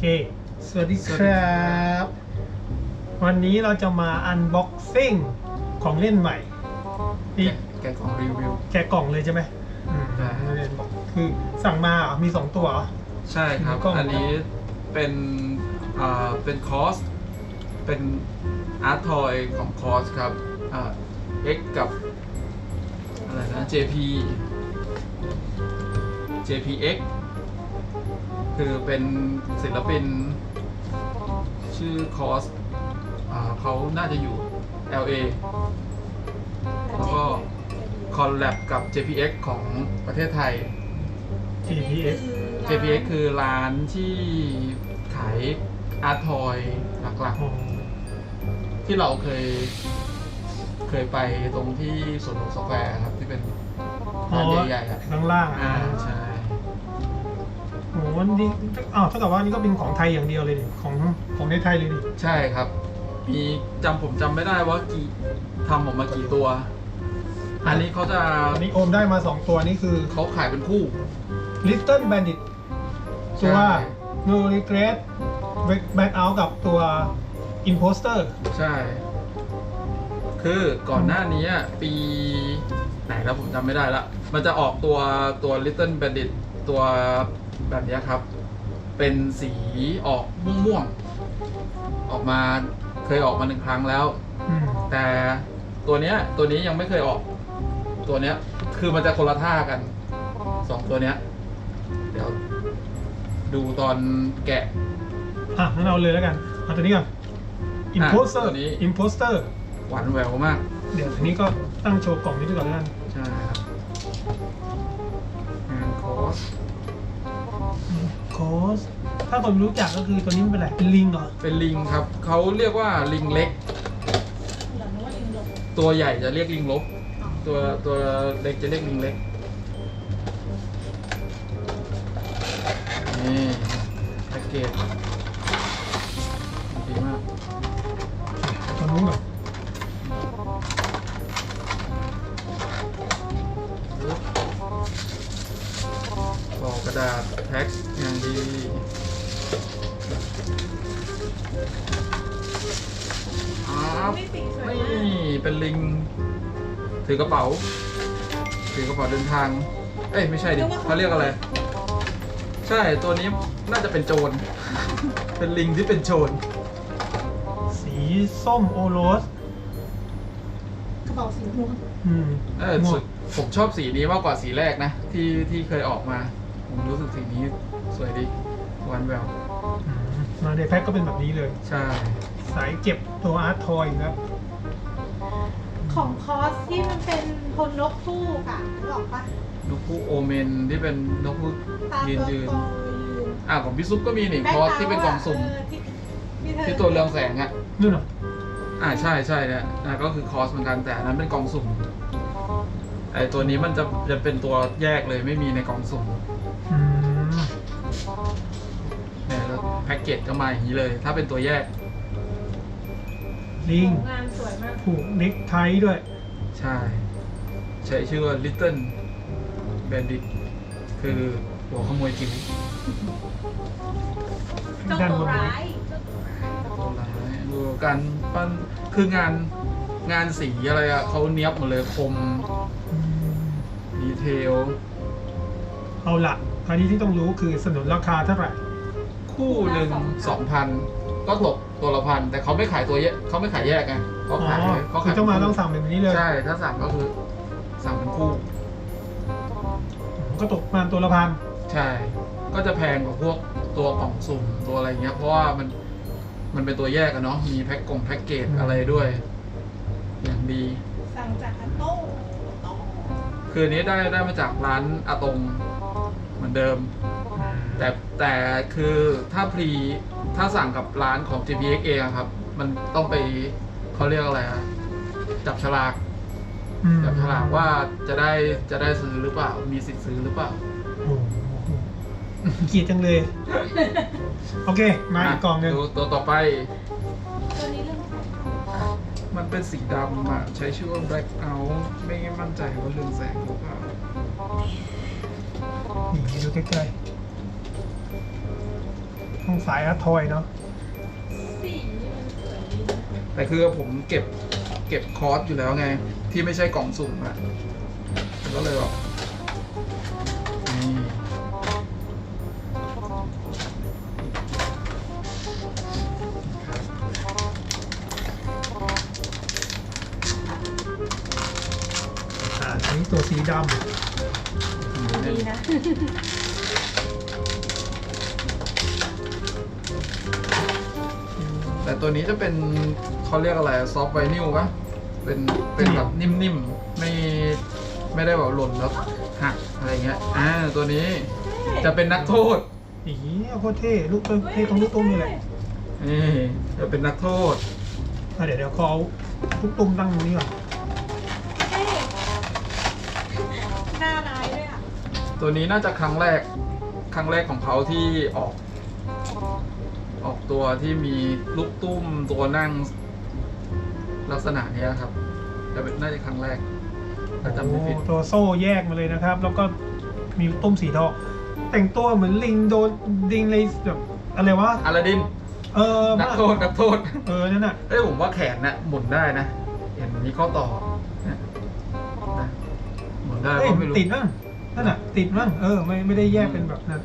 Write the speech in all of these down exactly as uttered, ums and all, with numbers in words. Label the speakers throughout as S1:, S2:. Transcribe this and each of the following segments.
S1: สวัสดีครับ วันนี้เราจะมาอันบ็อกซิ่งของเล่นใหม่นี่
S2: แกะกล่องรีวิว
S1: แกะกล่องเลยใช่ไหมอืม
S2: ใช่
S1: เล่นบอกคือสั่งมาเหรอมีสองตัวเหรอ
S2: ใช่ครับ
S1: กล่อง
S2: อันนี้เป็นอ่าเป็นคอสเป็นอาร์ตทอยของคอสครับอ่า X กับอะไรนะ เจ พี เจ พี เอ็กซ์ คือเป็นศิลปินชื่อคอสอ่าเขาน่าจะอยู่ แอล เอ แล้วก็คอลแลบกับ เจ พี เอ็กซ์ ของประเทศไทย
S1: ที พี เอส
S2: เจ พี เอ็กซ์ คือร้านที่ขายอาร์ตทอยหลักๆ ที่เราเคยเคยไปตรงที่สวนหลวงสแควร์ครับ ที่เป็นร้านใหญ่ๆอ่ะ
S1: ข้างล่าง
S2: อ่า
S1: อ่า
S2: ใช่
S1: โอ้โหนี่อ้าวเท่ากับว่านี่ก็เป็นของไทยอย่างเดียวเลยดิของของในไทยเลยดิ
S2: ใช่ครับ มีจำผมจำไม่ได้ว่ากี่ทำออกมากี่ตัว อันนี้เขาจะ
S1: อันนี้โอมได้มาสองตัวนี่คือ
S2: เขาขายเป็นคู่
S1: Little Bandit ตัว No Regret Back Out กับตัว Imposter
S2: ใช่ คือก่อนหน้านี้อะปีไหนแล้วผมจำไม่ได้ละ มันจะออกตัวตัว Little Bandit ตัวแบบนี้ครับ เป็นสีออกม่วงๆ ออกมาเคยออกมาหนึ่งครั้งแล้ว
S1: อืม
S2: แต่ตัวเนี้ยตัวนี้ยังไม่เคยออก ตัวเนี้ยคือมันจะคนละท่ากันสองตัวเนี้ย เดี๋ยวดูตอนแกะ
S1: อ่ะงั้นเอาเลยแล้วกันเอาตัวนี้ก่อน Imposter
S2: ตัวนี้
S1: Imposter
S2: หวานแหววมาก
S1: เดี๋ยวอันนี้ก็ตั้งโชว์กล่องนี้ไปก่อนแล้วกัน
S2: ใช่ครับงานคอส
S1: โคสถ้าคนรู้จักก็คือตัวนี้มันเป็นอะไรเป็นลิงเหรอ
S2: เป็นลิงครับ เขาเรียกว่าลิงเล็ก ตัวใหญ่จะเรียกลิงลบ ตัวตัวเล็กจะเรียกลิงเล็ก นี่แพ็กเกจดีมาก
S1: ตัวนู้นก่อน
S2: กล่องกระดาษแพ็คอย่างดีครับนี่เป็นลิง ถือกระเป๋า ถือกระเป๋าเดินทาง เอ้ยไม่ใช่ดิเขาเรียกอะไร ใช่ตัวนี้น่าจะเป็นโจร เป็นลิงที่เป็นโจร
S1: สีส้มโอโรส
S3: กระเป๋าสีม่วง
S1: อืม
S2: เออ
S1: ม่ว
S2: สุ
S1: ง
S2: ดผมชอบสีนี้มากกว่าสีแรกนะ ที่ที่เคยออกมา ผมรู้สึกสีนี้สวยดีหวานแหวว
S1: อืมมาในแพ็คก็เป็นแบบนี้เลย
S2: ใช่
S1: สายเจ็บตัวอาร์ตทอยครับ
S3: ของคอสที่มันเป็นพลนกคู่ค่ะนึกออกปะ
S2: นกคู่โอเมนที่เป็นนกคู่
S3: ตา
S2: ยืน
S3: ตัว
S2: ยืน
S3: โตยืน
S2: อ่าของพี่ซุปก็มีนี่คอสที่เป็นกล่องสุ่ม
S3: เที่ที่เธอ
S2: ที่ตัวเรืองแสงอ่ะ
S1: นู่นเหรอ
S2: อ่าใช่ใช่เนี่ยอ่าก็คือคอสเหมือนกันแต่อันนั้นเป็นกล่องสุ่มไอตัวนี้มันจะจะเป็นตัวแยกเลยไม่มีในกล่องสุ่ม
S1: อืม
S2: เนี่ยแล้วแพ็กเกจก็มาอย่างนี้เลย ถ้าเป็นตัวแยก
S1: ลิง
S3: งานสวยมาก
S1: ผูกเน็กไทด้วย
S2: ใช่ ใช้ชื่อว่า Little Bandit คือหัวขโมยจิ๋ว
S3: เจ้า
S1: ด้าน
S3: ตั
S1: บ
S3: วน
S1: นี้
S3: ร้ายเจ้าตัวร้าย
S2: ตัวร้ายดูการปั้นคืองานงานสีอะไรอะเขาเนี้ยบหมดเลยคม
S1: อืม
S2: ดีเทล
S1: เอาละอันนี้ที่ต้องรู้คือสนุนราคาเท่าไหร่
S2: คู่หนึ่งสองพันก็ตกตัวละพันแต่เขาไม่ขายตัวแยกเขาไม่ขายแยกไงเขา
S1: อ๋อ
S2: ขายเขา
S1: คื
S2: ขา
S1: อย ต้องมาต้องสั่งแบบนี้เลย
S2: ใช่ถ้าสั่งก็คือสั่งเป็นคู่
S1: ก็ตกประมาณตัวละพัน
S2: ใช่ ก็จะแพงกว่าพวกตัวกล่องสุ่มตัวอะไรเงี้ย เพราะว่ามันมันเป็นตัวแยกอะเนาะมีแพ็คกงแพ็กเกจอะไรด้วย อย่างดี
S3: สั่งจากอัตโต้โต้
S2: คืออันนี้ได้ได้มาจากร้านอาตงเหมือนเดิม แต่แต่คือถ้าพรีถ้าสั่งกับร้านของ จี พี เอ็กซ์ เองอะครับ มันต้องไปเขาเรียกอะไรอะจับฉลาก
S1: อืม
S2: จับฉลากว่าจะได้จะได้ซื้อหรือเปล่า มีสิทธิ์ซื้อหรือเปล่า
S1: โอ้โหเกลียดจังเลย โอเค มาอีกกล่องหนึ่ง
S2: ดูตัวต่อไป
S3: ตัวนี้เรื่อง
S2: มันเป็นสีดำอะใช้ชื่อว่า black out ไม่มั่นใจว่าเรืองแสงหรือเปล่า
S1: นี่ดูใกล้ต้องสายอาร์ตทอยเนาะ
S3: สีมันสวยดีนะ
S2: แต่คือผมเก็บเก็บคอร์สอยู่แล้วไง ที่ไม่ใช่กล่องสุ่มอะก็เลยแบบนี่ครับ
S1: อ่าอันนี้ตัวสีด
S3: ดีนะ
S2: แต่ตัวนี้จะเป็นเขาเรียกอะไรซอฟต์ไวนิลปะเป็นเป็นแบบนิ่มๆ ไม่ไม่ได้แบบหล่นแล้วหักอะไรเงี้ยอ่าตัวนี้จะเป็นนักโทษ
S1: ำอีโคตรเท่ลูกเท่ตรงลูกตุ้มนี่แหละ
S2: นี่จะเป็นนักโทษ
S1: อ่ะเดี๋ยวเดี๋ยวเขาเอาลูกตุ้มตั้งตรงนี้ก่อน
S3: เท่หน้าร้ายด้วยอ่ะ
S2: ตัวนี้น่าจะครั้งแรกครั้งแรกของเขาที่ออก ออกตัวที่มีลูกตุ้มตัวนั่งลักษณะเนี้ยครับจะเป็นน่าจะครั้งแรกถ้าจำไม่ผิด
S1: โอ้ตัวโซ่แยกมาเลยนะครับ แล้วก็มีลูกตุ้มสีทองแต่งตัวเหมือนลิงโดนลิงเลยแบบอะไรวะ
S2: อลาดิน
S1: เออ
S2: นักโทษนักโทษ
S1: เออนั่นน่ะ
S2: เอ้ยผมว่าแขนน่ะหมุนได้นะ เห็นมีข้อต่อนะนะหมุนได้
S1: เอ้ย
S2: ก็ไม่รู้
S1: ติดมั้งนั่นน่ะติดมั้งเออไม่ไม่ได้แยกเป็นแบบนั้น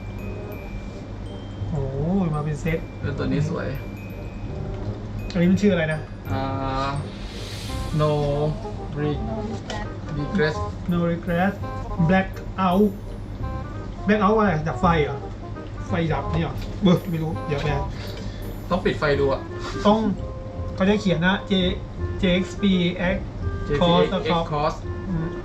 S1: โอ้ยมาเป็นเซต
S2: เออตัวนี้สวย
S1: อันนี้มันชื่ออะไรนะ
S2: อ่า no re
S3: โนดิสแตท
S2: regress
S1: No regret black out black out อะไรดับไฟเหรอไฟดับนี่เหรอเบอร์ไม่รู้เดี๋ยวแน่
S2: ต้องปิดไฟดูอะ
S1: ต้องเขาจะเขียนนะ J JXP X Cost
S2: X cost
S1: อืม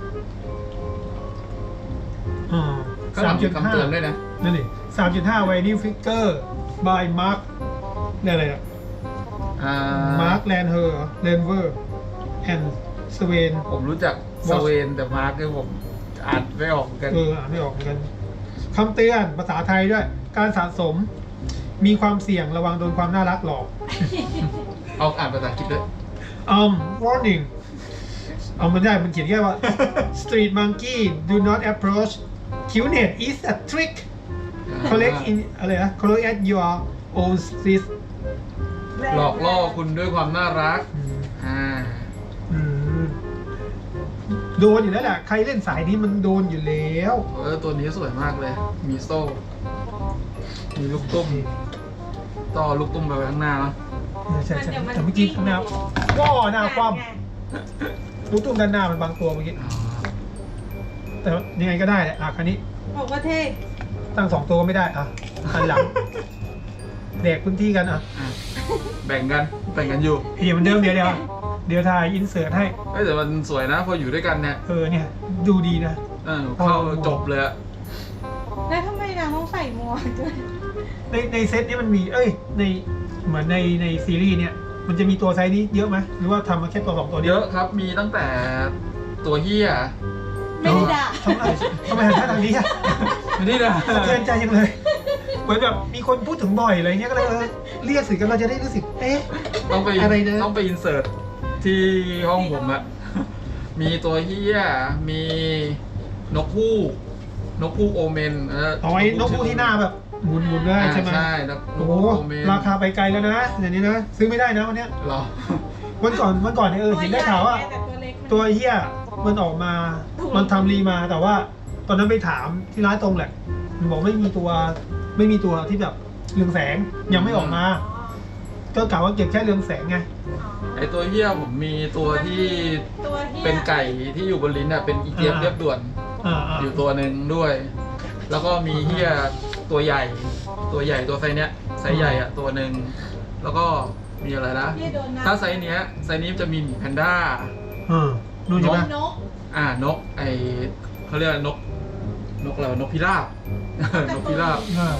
S1: อ่า
S2: ก็หลังมีคำเตือนด้วยนะ
S1: นั่นดิสามจุดห้า Vinyl Figure by Mark เนี่ยอะไรอะ
S2: อ่า
S1: Mark Landher Landver and Swain
S2: ผมรู้จักสเวนแต่มาร์กเนี่ยผมอ่านไม่ออกเหมือนกัน
S1: เอออ่านไม่ออกเหมือนกันคำเตือนภาษาไทยด้วย การสะสมมีความเสี่ยงระวังโดนความน่ารักหลอก
S2: เอาอ่านภาษาอังกฤษด้วย
S1: um warning เอามันได้มันเขียนแค่ว่า street monkey do not approach cuteness is a trick collect in อะไรนะ collect at your own risk
S2: หลอกล่อคุณด้วยความน่ารัก
S1: อืม
S2: อ่า
S1: อืมโดนอยู่แล้วแหละใครเล่นสายนี้มันโดนอยู่แล้ว
S2: เออตัวนี้สวยมากเลย มีโซ่ มีลูกตุ้ม ต่อลูกตุ้มไปไว้ข้างหน้าเนอะ
S1: ใช่ใช่แต่เมื่อกี้ข้างหน้าว้อหน้าคว่ำลูกตุ้มด้านหน้ามันบางตัวเมื่อกี้
S2: อ๋อ
S1: แต่ยังไงก็ได้แหละอ่ะคันนี้
S3: บอกว่าเท่
S1: ตั้งสองตัวก็ไม่ได้อ่ะคันหลังแดกพื้นที่กันอ่ะ
S2: อ่ะแบ่งกันแบ่งกันอยู่
S1: เดี๋ยวเหมือนเดิมเดี๋ยวเดี๋ยวเดี๋ยวถ่ายอินเสิร์ตให้
S2: เอ้ยแต่มันสวยนะ พออยู่ด้วยกันเนี่ย
S1: เออเนี่ย ดูดีนะ
S2: เออเข้าจบเลยอะ
S3: แล้วทำไมนางต้องใส่หมวกด้วย
S1: ในในเซตนี้มันมีเอ้ยในเหมือนในในซีรีส์เนี่ยมันจะมีตัวไซส์นี้เยอะไหมหรือว่าทำมาแค่ตัวสองตัวนี้
S2: เยอะครับ มีตั้งแต่ตัวเฮีย
S3: ไม่ได้ด่า
S1: ทำไมทำไมหันหน้าทางนี้อ่ะ
S2: ไม่ได้นะ
S1: สะเทือนใจยังเลย เหมือนแบบมีคนพูดถึงบ่อยอะไรเงี้ยก็เลยเออเรียกสิกันเราจะได้รู้สึกเอ๊ะ
S2: ต้องไป
S1: อะไรนะ
S2: ต้องไปอินเสิร์ตที่ห้องผมอะมีตัวเฮียมีนกฮูกนกฮูกโอเมนเออ
S1: เอาไว้นกพูที่หน้าแบบหมุนหมุนๆได้
S2: อ่า
S1: ใช่ไหม
S2: ใช่นก
S1: โอ้
S2: ฮู
S1: โห
S2: กโอเมน
S1: ราคาไปไกลแล้วนะอย่างนี้นะซื้อไม่ได้นะวันเนี้ย
S2: เหรอ
S1: วันก่อนวันก่อนเนี่ยเออเห็นได้ข่าวว่า
S3: แต่ตัวเล็กมัน
S1: ตัวเฮียมันออกมา
S3: ถูก
S1: มันทำรีมาแต่ว่า ตอนนั้นไปถามที่ร้านตรงแหละมันบอกไม่มีตัวไม่มีตัวที่แบบเรืองแสงยังไม่ออกมา ก็กล่าวว่าเก็บแค่เรืองแสงไง
S2: ไอตัวเฮียผมมีตัวที่
S3: ตัวหี้ย
S2: เป็นไก่ที่อยู่บนลิ้นอะเป็นอีเทียม
S1: อ่า
S2: เรียบด่วน
S1: อ่าอ่า
S2: อยู่ตัวหนึ่งด้วย แล้วก็มีเฮียตัวใหญ่ ตัวใหญ่ตัวไซส์เนี้ยไซส์ใหญ่อะตัวหนึ่งแล้วก็มีอะไรนะ
S3: เหี้ยโดนน้ำ
S2: ถ้าไซส์เนี้ยไซส์นี้จะมีหมีแพนด้า
S1: อ่านู่นใช่ไหม
S3: นก
S2: อ่านกไอเขาเรียกว่านก นกอะไรวะนกพิราบ นกพิราบ
S1: อ่าก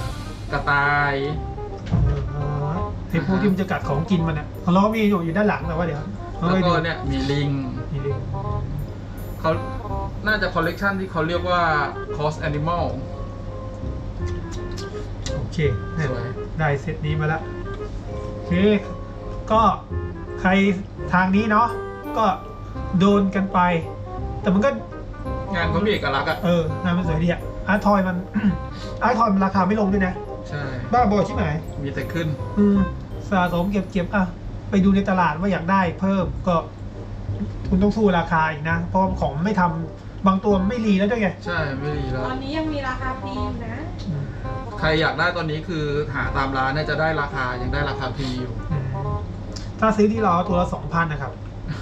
S2: ระต่าย
S1: อ่าไอ้พวกที่มันจะกัดของกินมันอ่ะเขาล้อมีอยู่อยู่ด้านหลังแต่ว่าเดี๋ยวเอา
S2: แล้ว
S1: ไป
S2: ก็
S1: ดู
S2: เนี่ยมีลิง
S1: มีลิง
S2: เขาน่าจะคอลเลกชันที่เขาเรียกว่า Cos Animal
S1: โอเคเนี่ย
S2: สวย
S1: ได้เซตนี้มาแล้วโอเค ก็ใครทางนี้เนาะก็โดนกันไป แต่มันก็
S2: งานเขามีเอกลักษณ์อะ
S1: เอองานมันสวยดีอะอาร์ตทอยมัน อาร์ตทอยมันราคาไม่ลงด้วยนะ
S2: ใช่
S1: บ้าบอใช่ไหม
S2: มีแต่ขึ้น
S1: อืมสะสมเก็บเก็บอ่ะไปดูในตลาดว่าอยากได้เพิ่มก็ คุณต้องสู้ราคาอีกนะ เพราะของไม่ทำบางตัวไม่รีแล้วด้วยไง
S2: ใช่ไม่ดีแล้ว
S3: ตอนนี้ยังมีราคาพรีอยู่นะ
S1: อืม
S2: ใครอยากได้ตอนนี้คือหาตามร้านเนี่ยจะได้ราคายังได้ราคาพรีอยู่
S1: อืมถ้าซื้อที่เราตัวละสองพันนะครับ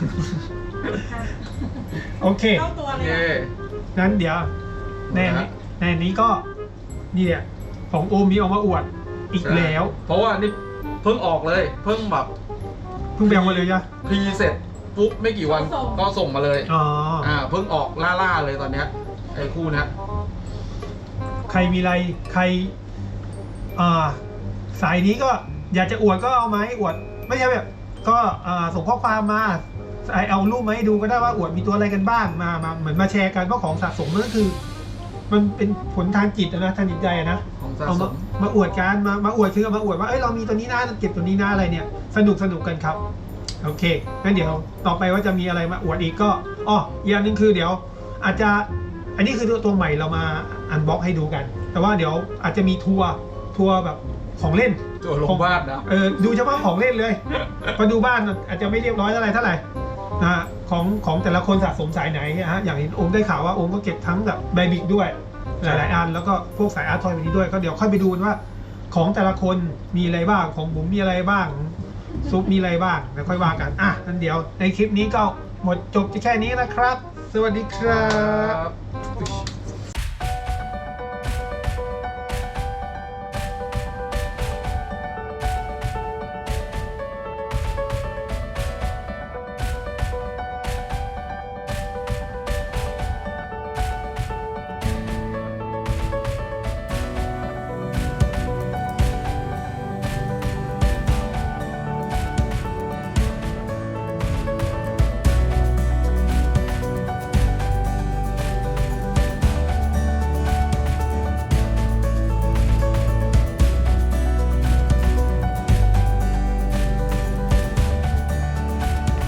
S1: โอเค
S3: เข้าตัว
S2: โอ
S3: เลย
S2: เค
S3: อะ
S1: นั้นเดี๋ยวในนี้ในนี้ก็นี่แหละของโอมมีเอามาอวดอีกแล้ว
S2: เพราะว่านี่เพิ่งออกเลย เพิ่งแบบ
S1: เพิ่งแบ่งมาเลยจ้ะ
S2: พรีเสร็จปุ๊บไม่กี่วันก็ส่งมาเลย
S1: อ๋อ
S2: อ่าเพิ่งออกล่าๆเลยตอนเนี้ยไอ้คู่เนี้ย
S1: ใครมีอะไรใคร อ่า สายนี้ก็อยากจะอวดก็เอามาให้อวด ไม่ใช่แบบก็อ่าส่งข้อความมาเอารูปมาให้ดูก็ได้ว่าอวดมีตัวอะไรกันบ้างมามาเหมือนมาแชร์กันเพราะของสะสมมันก็คือ มันเป็นผลทางจิตอะนะทางจิตใจอะนะ
S2: ของสะ
S1: เอา
S2: ส
S1: มาม มาอวดกันมามาอวดคือเอามาอวดว่าเอ้ยเรามีตัวนี้นะเก็บตัวนี้นะอะไรเนี่ย สนุกสนุกกันครับโอเคงั้นเดี๋ยวต่อไปว่าจะมีอะไรมาอวดอีกก็อ๋ออีกอย่างหนึ่งคือเดี๋ยว อาจจะอันนี้คือตัวตัวใหม่เรามาอันบ็อกให้ดูกัน แต่ว่าเดี๋ยวอาจจะมีทัวร์ทัวร์แบบของเล่น
S2: ตัวลงบ้านนะ
S1: เออดูเฉพาะของเล่นเลยพอดูบ้านอาจจะไม่เรียบร้อยเท่าไหร่เท่าไหร่นะฮะของของแต่ละคนสะสมสายไหนนะฮะอย่างเห็นโอมได้ข่าวว่าโอมก็เก็บทั้งแบบไบบิกด้วยหลายๆอันแล้วก็พวกสายอาร์ตทอยแบบนี้ด้วยก็เดี๋ยวค่อยไปดูกันว่า ของแต่ละคนมีอะไรบ้างของบุ๋มมีอะไรบ้างซุปมีอะไรบ้างแล้วค่อยว่ากันอ่ะงั้นเดี๋ยวในคลิปนี้ก็หมดจบแค่นี้นะครับ สวัสดีครับ
S2: ครับ